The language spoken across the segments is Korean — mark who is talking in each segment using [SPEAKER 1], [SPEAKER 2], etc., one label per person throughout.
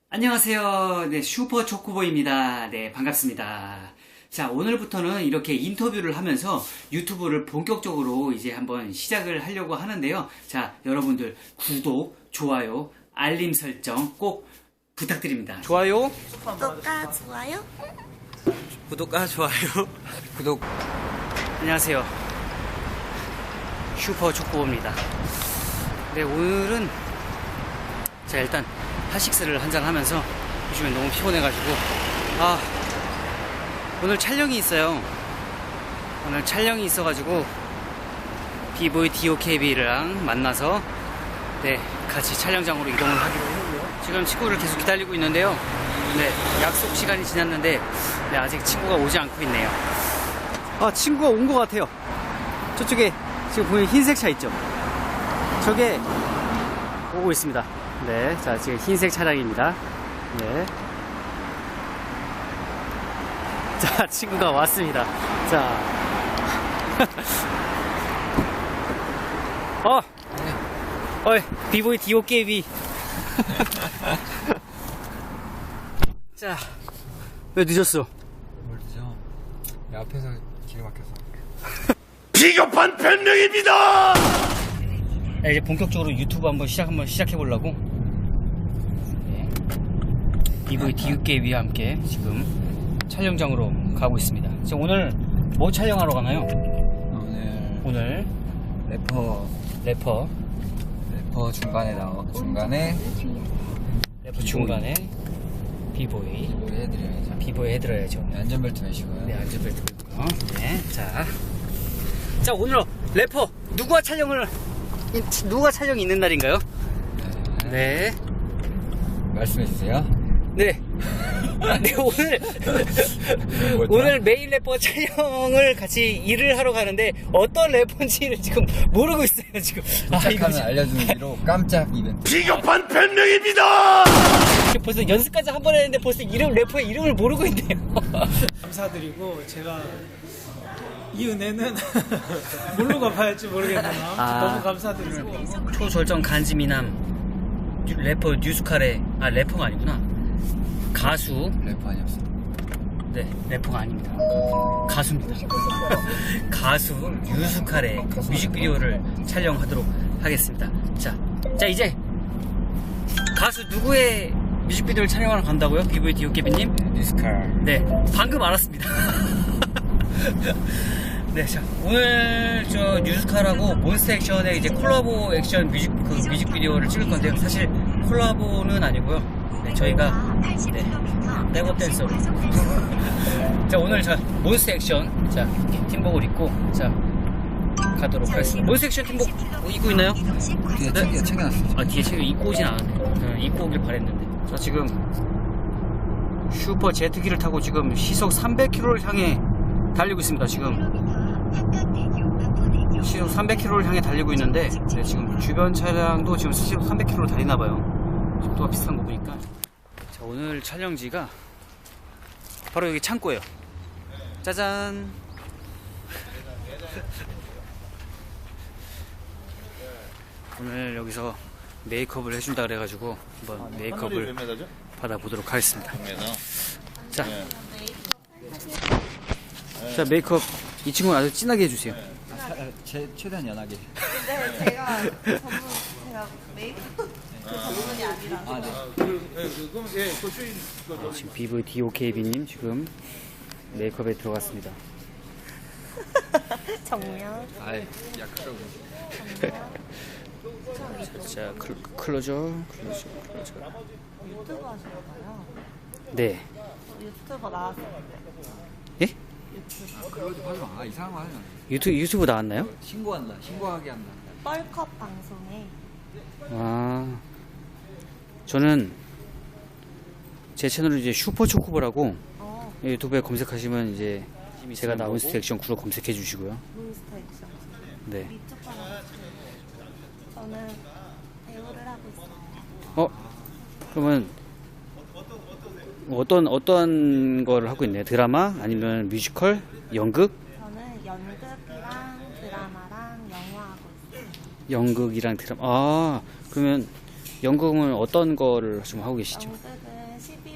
[SPEAKER 1] 안녕하세요. 네, 슈퍼 초코보입니다. 네, 반갑습니다. 자, 오늘부터는 이렇게 인터뷰를 하면서 유튜브를 본격적으로 이제 한번 시작을 하려고 하는데요. 자, 여러분들 구독, 좋아요, 알림 설정 꼭 부탁드립니다. 좋아요,
[SPEAKER 2] 구독과 좋아요.
[SPEAKER 1] 구독과 좋아요,
[SPEAKER 3] 구독.
[SPEAKER 1] 안녕하세요. 슈퍼 초코보입니다. 네, 오늘은 자, 일단 핫식스를 한잔 하면서 요즘에 너무 피곤해가지고 오늘 촬영이 있어요. 오늘 촬영이 있어가지고 비보이 DOKB랑 만나서 네, 같이 촬영장으로 이동을 하기로 했고요. 지금 친구를 계속 기다리고 있는데요. 네, 약속 시간이 지났는데 네, 아직 친구가 오지 않고 있네요. 친구가 온 것 같아요. 저쪽에 지금 보이는 흰색 차 있죠? 저게 오고 있습니다. 네, 자, 지금 흰색 차량입니다. 네. 자, 친구가 왔습니다. 자. 비보이 DOKB. 자, 왜 늦었어?
[SPEAKER 3] 뭘 드죠? 앞에서 길이 막혀서.
[SPEAKER 4] 비겁한 변명입니다!
[SPEAKER 1] 네, 이제 본격적으로 유튜브 한번 시작해보려고. 네. 비보이 DOKB와 함께 지금 촬영장으로 가고 있습니다. 지금 오늘 뭐 촬영하러 가나요? 오늘
[SPEAKER 3] 래퍼 중간에
[SPEAKER 1] 래퍼 중간에 비보이
[SPEAKER 3] 해드려야죠.
[SPEAKER 1] 비보이 해드려야죠.
[SPEAKER 3] 네, 안전벨트 매시고요.
[SPEAKER 1] 네, 안전벨트 매고요. 네, 자, 오늘 래퍼 누가 촬영이 있는 날인가요? 네,
[SPEAKER 3] 말씀해 주세요.
[SPEAKER 1] 네. 네, 오늘 메인 래퍼 촬영을 같이 일을 하러 가는데 어떤 래퍼인지를 지금 모르고 있어요, 지금.
[SPEAKER 3] 도착하면 알려주는 뒤로 깜짝 이벤트.
[SPEAKER 4] 비겁한 변명입니다!
[SPEAKER 1] 벌써 연습까지 한 번 했는데 벌써 래퍼의 이름을 모르고 있네요.
[SPEAKER 5] 감사드리고 제가 이 은혜는 뭘로 갚아야 할지 모르겠네요. 너무 감사드리고
[SPEAKER 1] 초절정 간지미남 래퍼 뉴스카레 래퍼가 아니구나. 가수.
[SPEAKER 3] 래퍼 아니었어.
[SPEAKER 1] 네, 래퍼가 아닙니다. 가수입니다. 가수 뉴스카레 뮤직비디오를 촬영하도록 하겠습니다. 자, 이제 가수 누구의 뮤직비디오를 촬영하러 간다고요? 비보이 DOKB님?
[SPEAKER 3] 뉴스카.
[SPEAKER 1] 네, 방금 알았습니다. 네, 자, 오늘 저 뉴스카라고 몬스터 액션의 이제 콜라보 액션 뮤직비디오를 찍을 건데요. 사실 콜라보는 아니고요. 네, 저희가 백업 댄서로 자, 오늘 몬스터 액션 이렇게 팀복을 입고 가도록 하겠습니다. 몬스터 액션 팀복 입고 있나요?
[SPEAKER 3] 뒤에
[SPEAKER 1] 네?
[SPEAKER 3] 챙겨놨어.
[SPEAKER 1] 뒤에 입고 오진 않았네요. 입고 오길 바랬는데. 자, 지금 슈퍼 제트기를 타고 지금 시속 300km를 향해 달리고 있습니다. 지금 시속 300km를 향해 달리고 있는데 네, 지금 주변 차량도 지금 시속 300km로 달리나봐요. 속도가 비슷한 거 보니까. 자, 오늘 촬영지가 바로 여기 창고예요. 짜잔. 오늘 여기서 메이크업을 해준다 그래가지고 한번 메이크업을 받아보도록 하겠습니다. 자, 메이크업 이 친구는 아주 진하게 해주세요.
[SPEAKER 3] 최대한 연하게.
[SPEAKER 2] 네, 제가 메이크업 전문이 아니라.
[SPEAKER 1] 지금 비보이 DOKB님 지금 메이크업에 들어갔습니다.
[SPEAKER 2] 정면.
[SPEAKER 3] 아이, 약하다고.
[SPEAKER 1] 자, 클로저.
[SPEAKER 2] 유튜브 하시나봐요.
[SPEAKER 1] 네.
[SPEAKER 2] 유튜버 나왔었는데.
[SPEAKER 1] 예?
[SPEAKER 3] 그러지 마. 이상한 거 하지 마.
[SPEAKER 1] 유튜브 나왔나요?
[SPEAKER 3] 신고하게 한다.
[SPEAKER 2] 뻘컵 방송에.
[SPEAKER 1] 저는 제 채널을 이제 슈퍼 초코보라고
[SPEAKER 2] 어,
[SPEAKER 1] 유튜브에 검색하시면 이제 제가 나온 몬스터 액션 구로 검색해 주시고요.
[SPEAKER 2] 몬스터 액션.
[SPEAKER 1] 네.
[SPEAKER 2] 이쪽 하나. 저는 배우를 하고 있어요.
[SPEAKER 1] 그러면 어떤 거를 하고 있나요? 드라마 아니면 뮤지컬, 연극?
[SPEAKER 2] 저는 연극이랑 드라마랑 영화 하고 있어요.
[SPEAKER 1] 연극이랑 드라마. 그러면 연극은 어떤 거를 좀 하고 계시죠?
[SPEAKER 2] 연극은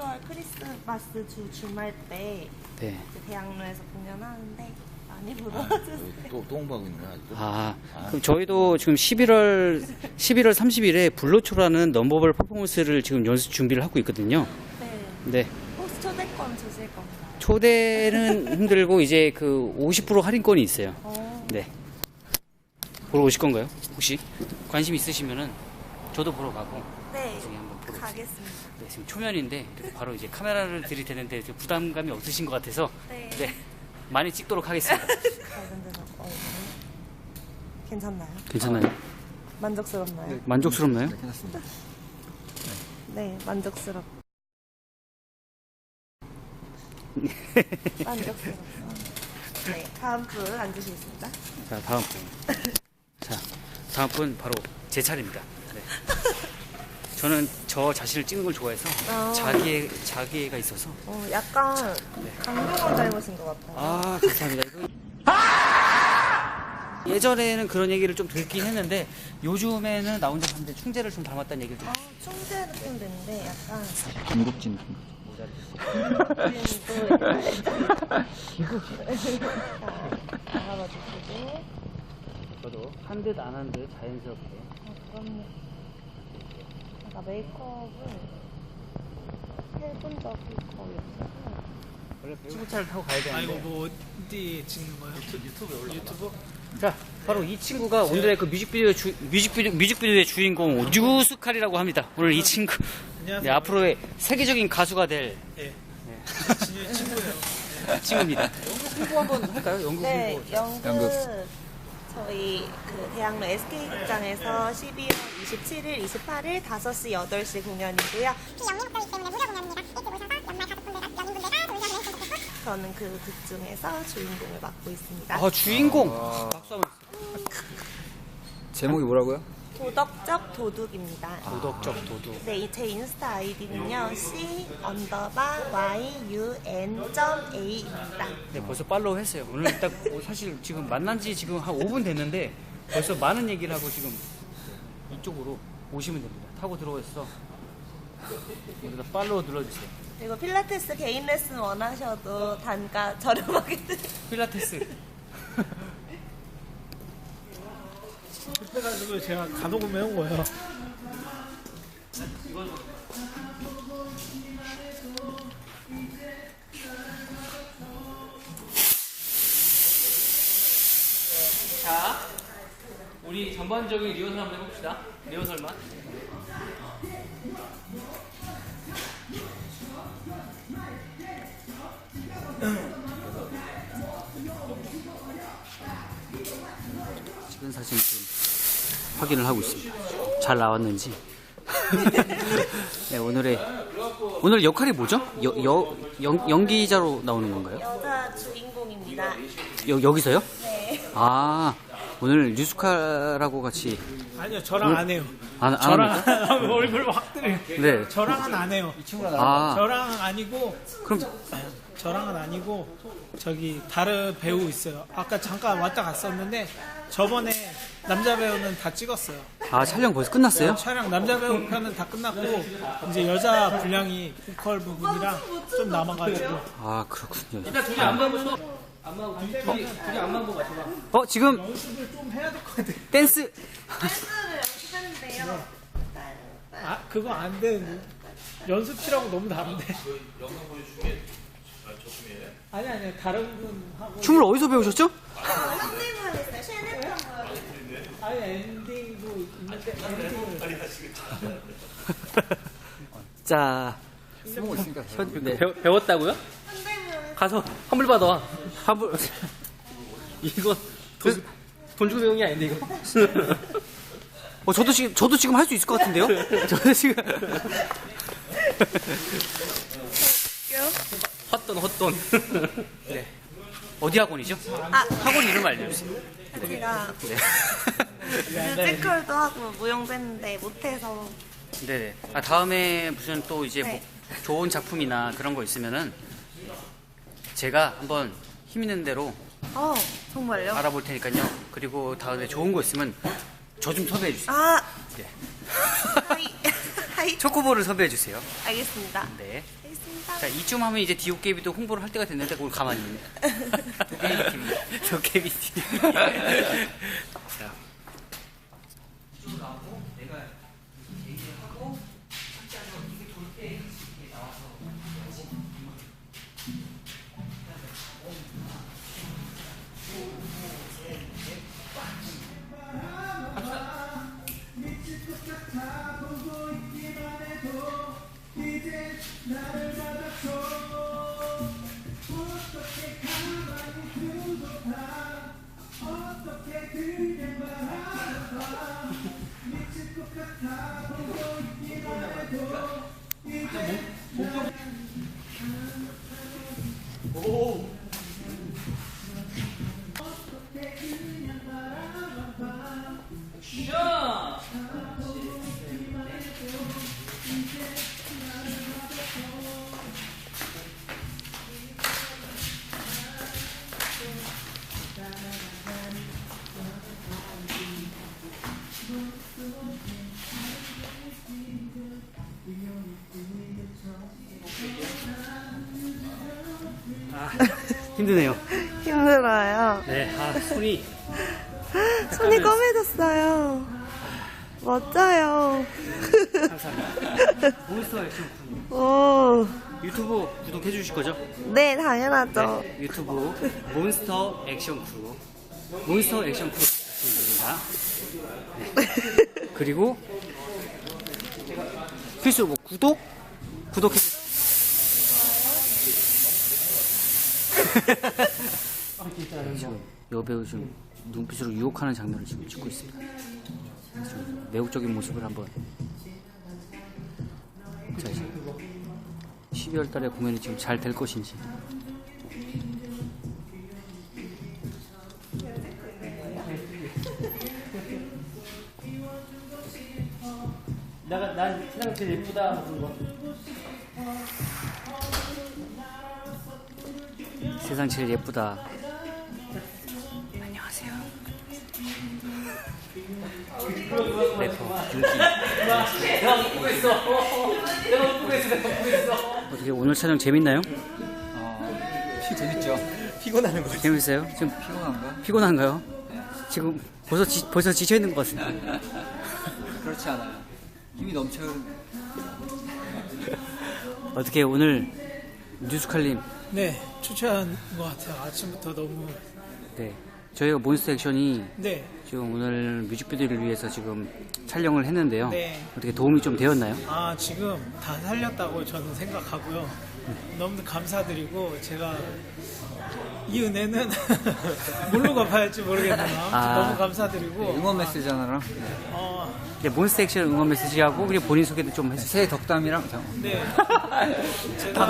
[SPEAKER 2] 12월 크리스마스 주말 때
[SPEAKER 1] 네.
[SPEAKER 2] 이제 대학로에서 공연하는데 많이 보러 와주세요.
[SPEAKER 3] 또 홍보하고 있는 거야 아직도?
[SPEAKER 1] 그럼 저희도 지금 11월 30일에 블루초라는 넘버블 퍼포먼스를 지금 연습 준비를 하고 있거든요.
[SPEAKER 2] 네.
[SPEAKER 1] 네.
[SPEAKER 2] 혹시 초대권 주실 건가요?
[SPEAKER 1] 초대는 힘들고 이제 그 50% 할인권이 있어요. 네. 보러 오실 건가요? 혹시 관심 있으시면은 저도 보러 가고
[SPEAKER 2] 네.
[SPEAKER 1] 나중에 한번 보러 오세요.
[SPEAKER 2] 가겠습니다.
[SPEAKER 1] 네, 지금 초면인데 이렇게 바로 이제 카메라를 들이대는데 좀 부담감이 없으신 것 같아서
[SPEAKER 2] 네.
[SPEAKER 1] 많이 찍도록 하겠습니다.
[SPEAKER 2] 밝은 데서 괜찮나요?
[SPEAKER 1] 괜찮나요?
[SPEAKER 2] 만족스럽나요?
[SPEAKER 1] 만족스럽나요?
[SPEAKER 3] 네, 괜찮습니다.
[SPEAKER 2] 네, 만족스럽. 만족스럽습니다. 네, 다음 분 앉으시겠습니다.
[SPEAKER 1] 자, 다음 분. 자, 다음 분 바로 제 차례입니다. 네. 저는 저 자신을 찍는 걸 좋아해서 자기애가 있어서.
[SPEAKER 2] 약간 강동원 닮으신 것 같아요.
[SPEAKER 1] 아, 감사합니다. 예전에는 그런 얘기를 좀 듣긴 했는데 요즘에는 나 혼자 사는데 충재를 좀 닮았다는 얘기를 좀.
[SPEAKER 2] 충재 느낌 드는데 약간
[SPEAKER 3] 중국진.
[SPEAKER 2] 그림도 알아봐 주시고.
[SPEAKER 1] 저도 한 듯 안 한 듯 자연스럽게.
[SPEAKER 2] 그럼요. 제가 메이크업을 해본 적이 거의 없어서.
[SPEAKER 1] 원래 친구차를 타고 가야
[SPEAKER 5] 아 이거
[SPEAKER 1] 되는데.
[SPEAKER 5] 뭐 어디 찍는 거예요? 유튜브?
[SPEAKER 1] 자, 바로 이 친구가 오늘의 그 뮤직비디오의 주인공 뉴스칼이라고 합니다. 오늘 이 친구.
[SPEAKER 5] 안녕하세요.
[SPEAKER 1] 네, 앞으로의 세계적인 가수가 될
[SPEAKER 5] 네. 친구예요.
[SPEAKER 1] 친구입니다. 홍보 한번 할까요? 연극
[SPEAKER 2] 네,
[SPEAKER 1] 홍보.
[SPEAKER 2] 연극 저희 그 대학로 SK 극장에서 12월 27일, 28일 5시, 8시 공연이고요.
[SPEAKER 6] 영리목적이기 때문에 무료 공연입니다. 일찍 오셔서 연말 가족분들과 연인분들과 놀셔 보내주셨으면 좋겠고
[SPEAKER 2] 저는 그 극 중에서 주인공을 맡고 있습니다.
[SPEAKER 1] 아, 주인공. 박수 한번.
[SPEAKER 3] 제목이 뭐라고요?
[SPEAKER 2] 도덕적 도둑입니다.
[SPEAKER 1] 도덕적 도둑.
[SPEAKER 2] 네, 제 인스타 아이디는요 c_yun.a입니다.
[SPEAKER 1] 네, 벌써 팔로우 했어요. 오늘 딱 사실 지금 만난 지 지금 한 5분 됐는데 벌써 많은 얘기를 하고 지금 이쪽으로 오시면 됩니다. 타고 들어오셔서 여기다 팔로우 눌러주세요.
[SPEAKER 2] 그리고 필라테스 개인 레슨 원하셔도 단가 저렴하게
[SPEAKER 1] 필라테스.
[SPEAKER 5] 급해가지고 제가 간혹은 매운 거예요.
[SPEAKER 1] 자, 우리 전반적인 리허설 한번 해봅시다. 리허설만. 찍은 사진 지금 확인을 하고 있습니다. 잘 나왔는지. 네, 오늘 역할이 뭐죠? 연기자로 나오는 건가요?
[SPEAKER 2] 여자 주인공입니다.
[SPEAKER 1] 여기서요?
[SPEAKER 2] 네.
[SPEAKER 1] 아, 오늘 뉴스카라고 같이.
[SPEAKER 5] 아니요, 저랑 안 해요.
[SPEAKER 1] 안
[SPEAKER 5] 저랑
[SPEAKER 1] 합니까?
[SPEAKER 5] 안 하면 얼굴 확 뜨네.
[SPEAKER 1] 네.
[SPEAKER 5] 저랑은 안 해요.
[SPEAKER 1] 아,
[SPEAKER 5] 저랑은 아니고
[SPEAKER 1] 그럼
[SPEAKER 5] 저랑은 아니고 저기 다른 배우 있어요. 아까 잠깐 왔다 갔었는데 저번에 남자 배우는 다 찍었어요.
[SPEAKER 1] 촬영 벌써 끝났어요?
[SPEAKER 5] 촬영 남자 배우 편은 다 끝났고 이제 여자 분량이 보컬 부분이랑 좀 남아가지고
[SPEAKER 1] 아, 그렇군요.
[SPEAKER 5] 일단 둘이 안만 보고
[SPEAKER 1] 지금
[SPEAKER 5] 연습을 좀 해야 될 것 같아.
[SPEAKER 1] 댄스.
[SPEAKER 2] 댄스를 연습했는데요.
[SPEAKER 5] 아 그거 안 돼. 연습실하고 너무 다른데. 아니 다른 분하고.
[SPEAKER 1] 춤을 어디서 배우셨죠?
[SPEAKER 2] 현대무용 했어요. 쉐네턴
[SPEAKER 5] 아니 엔딩도 있는데 엔딩을.
[SPEAKER 1] 자,
[SPEAKER 3] 쓰고 있으니까.
[SPEAKER 1] 네. 배웠다고요?
[SPEAKER 2] 현대무용
[SPEAKER 1] 가서 환불 받아. 환불. 이거 돈 주고 배운 게 아닌데 이거. 저도 지금 할 수 있을 것 같은데요? 저도 지금. 헛돈. 네. 어디 학원이죠? 학원 이름 알려주세요.
[SPEAKER 2] 제가
[SPEAKER 1] 네.
[SPEAKER 2] 뮤지컬도 하고 무용도 했는데 못해서
[SPEAKER 1] 네네. 다음에 무슨 또 이제
[SPEAKER 2] 네.
[SPEAKER 1] 뭐 좋은 작품이나 그런 거 있으면은 제가 한번 힘 있는 대로
[SPEAKER 2] 정말요?
[SPEAKER 1] 알아볼 테니까요. 그리고 다음에 좋은 거 있으면 저 좀 섭외해 주세요.
[SPEAKER 2] 아
[SPEAKER 1] 네.
[SPEAKER 2] 하이 하이.
[SPEAKER 1] 초코볼을 섭외해 주세요.
[SPEAKER 2] 알겠습니다.
[SPEAKER 1] 네.
[SPEAKER 2] 알겠습니다.
[SPEAKER 1] 자, 이쯤 하면 이제 디오케이비도 홍보를 할 때가 됐는데 그걸 가만히 있네. 도깨비 TV. 자. 내가 얘기하고 착지하고 이게 돌때 이렇게 나와서 힘드네요.
[SPEAKER 2] 힘들어요.
[SPEAKER 1] 네, 손이
[SPEAKER 2] 손이 검해졌어요. 멋져요.
[SPEAKER 1] 감사합니다. 몬스터 액션 군.
[SPEAKER 2] 오.
[SPEAKER 1] 유튜브 구독해 주실 거죠?
[SPEAKER 2] 네, 당연하죠.
[SPEAKER 1] 네, 유튜브 몬스터 액션 크루. 몬스터 액션 크루입니다. 네. 그리고 필수 뭐 구독해 주세요. 지금 여배우 좀 눈빛으로 유혹하는 장면을 지금 찍고 있습니다. 좀 매혹적인 모습을 한번. 자, 이제 12월 달에 공연이 지금 잘 될 것인지. 난 세상 제일 예쁘다. 세상 제일 예쁘다. 안녕하세요. 래퍼 어떻게 오늘 촬영 재밌나요?
[SPEAKER 3] 재밌죠? 피곤하는 거지.
[SPEAKER 1] 재밌어요? 지금
[SPEAKER 3] 피곤한가?
[SPEAKER 1] 피곤한가요? 지금 벌써 지쳐 있는 것 같습니다.
[SPEAKER 3] 그렇지 않아요. 힘이 넘쳐요.
[SPEAKER 1] 어떻게 오늘 뉴스칼림
[SPEAKER 5] 네, 추천한 것 같아요. 아침부터 너무.
[SPEAKER 1] 네 저희가 몬스터 액션이
[SPEAKER 5] 네,
[SPEAKER 1] 지금 오늘 뮤직비디오를 위해서 지금 촬영을 했는데요.
[SPEAKER 5] 네.
[SPEAKER 1] 어떻게 도움이 좀 되었나요?
[SPEAKER 5] 지금 다 살렸다고 저는 생각하고요. 너무 감사드리고, 제가 이 은혜는 뭘로 갚아야 할지 모르겠네요. 너무 감사드리고.
[SPEAKER 3] 응원 메시지 하나랑
[SPEAKER 1] 네, 몬스터 액션 응원 메시지하고 그리고 본인 소개도 좀 해주세요.
[SPEAKER 3] 새 덕담이랑
[SPEAKER 5] 네. 제가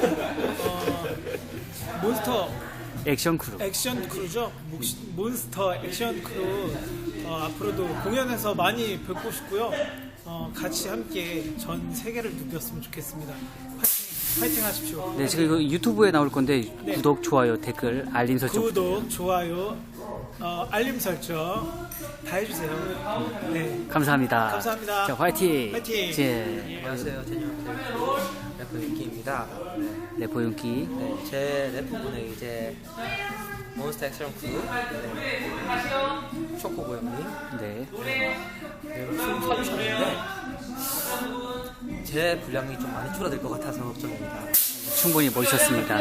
[SPEAKER 5] 몬스터
[SPEAKER 1] 액션 크루.
[SPEAKER 5] 액션 크루죠. 몬스터 액션 크루 앞으로도 공연에서 많이 뵙고 싶고요. 같이 함께 전 세계를 누볐으면 좋겠습니다. 파이팅 하십시오.
[SPEAKER 1] 네, 지금 이거 유튜브에 나올 건데
[SPEAKER 5] 네.
[SPEAKER 1] 구독, 좋아요, 댓글, 알림 설정.
[SPEAKER 5] 구독, 좋아요, 알림 설정 다 해주세요. 네,
[SPEAKER 1] 감사합니다.
[SPEAKER 5] 감사합니다.
[SPEAKER 1] 자, 화이팅.
[SPEAKER 5] 화이팅.
[SPEAKER 1] 네,
[SPEAKER 7] 안녕하세요. 래퍼 윤기입니다.
[SPEAKER 1] 래퍼 윤기.
[SPEAKER 7] 네, 제 래퍼분은 이제 몬스터 액션 크루 초코 고양이
[SPEAKER 1] 네.
[SPEAKER 7] 춤 춰주셨는데 제 분량이 좀 많이 줄어들 것 같아서 걱정입니다.
[SPEAKER 1] 충분히 멋있었습니다.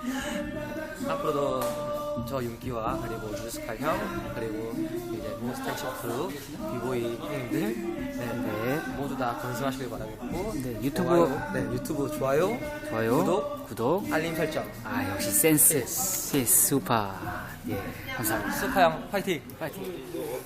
[SPEAKER 7] 앞으로도 저 윤기와 그리고 뉴스칼 형 그리고 이제 몬스터 액션 크루 비보이 형님들
[SPEAKER 1] 네.
[SPEAKER 7] 모두 다 건승하시길 바라겠고
[SPEAKER 1] 네, 유튜브
[SPEAKER 7] 유튜브 좋아요
[SPEAKER 1] 구독.
[SPEAKER 7] 알림 설정
[SPEAKER 1] 역시 센스. 슈퍼. 예, 감사합니다.
[SPEAKER 7] 스파 형 파이팅.
[SPEAKER 1] 파이팅.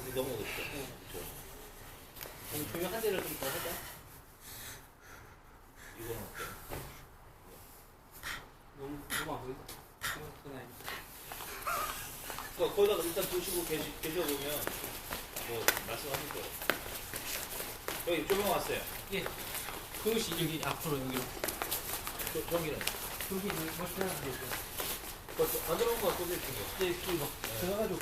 [SPEAKER 8] 거기다가 일단 보시고 계셔보면 뭐 말씀하실 거예요. 여기 조명 왔어요.
[SPEAKER 1] 예. 그것이 여기 앞으로 여기로.
[SPEAKER 8] 전기는?
[SPEAKER 1] 여기 멋있다.
[SPEAKER 8] 안 들어온 거 꽂을 거.
[SPEAKER 1] 네, 이거 들어가지고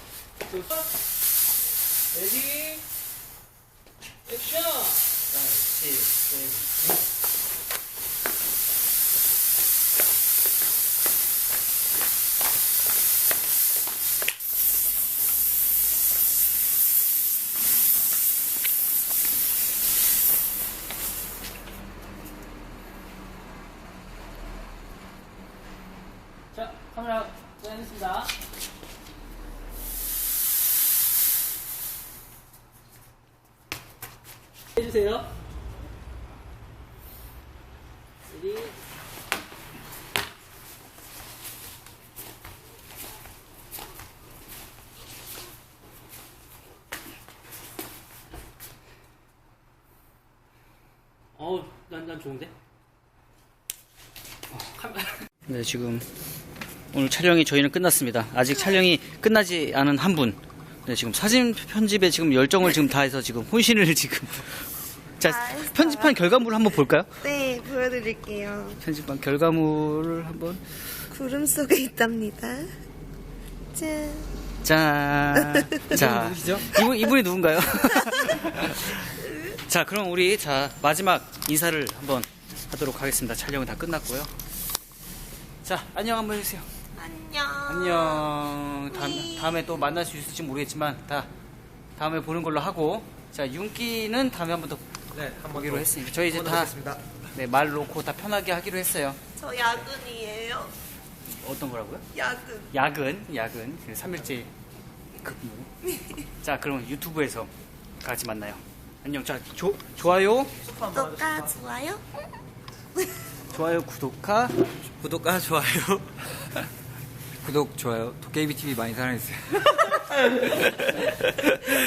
[SPEAKER 8] 레디 액션!
[SPEAKER 1] 자, 카메라 꺼냈습니다. 해주세요. 여기. 난 좋은데? 네, 지금 오늘 촬영이 저희는 끝났습니다. 아직 촬영이 끝나지 않은 한 분. 네, 지금 사진 편집에 지금 열정을 지금 다해서 지금 혼신을 지금. 자,
[SPEAKER 2] 잘했어요.
[SPEAKER 1] 편집한 결과물을 한번 볼까요?
[SPEAKER 2] 네, 보여드릴게요.
[SPEAKER 1] 편집한 결과물을 한번.
[SPEAKER 2] 구름 속에 있답니다. 짠.
[SPEAKER 1] 짠. 자,
[SPEAKER 3] 누구시죠?
[SPEAKER 1] 이분이 누군가요? 자, 그럼 우리 마지막 인사를 한번 하도록 하겠습니다. 촬영은 다 끝났고요. 자, 안녕 한번 해주세요.
[SPEAKER 2] 안녕.
[SPEAKER 1] 안녕. 다음에 또 만날 수 있을지 모르겠지만 다음에 보는 걸로 하고, 자, 윤기는 다음에 한번 더
[SPEAKER 3] 네, 한번
[SPEAKER 1] 보기로 했으니까 저희 이제 다 말 놓고 다 편하게 하기로 했어요.
[SPEAKER 2] 저 야근이에요.
[SPEAKER 1] 어떤 거라고요?
[SPEAKER 2] 야근.
[SPEAKER 1] 야근. 3일째 근무. 자, 그럼 유튜브에서 같이 만나요. 안녕. 자, 좋아요.
[SPEAKER 2] 구독과 좋아요.
[SPEAKER 1] 좋아요, 구독하.
[SPEAKER 3] 좋아요. 구독, 좋아요. 도깨비 TV 많이 사랑해주세요.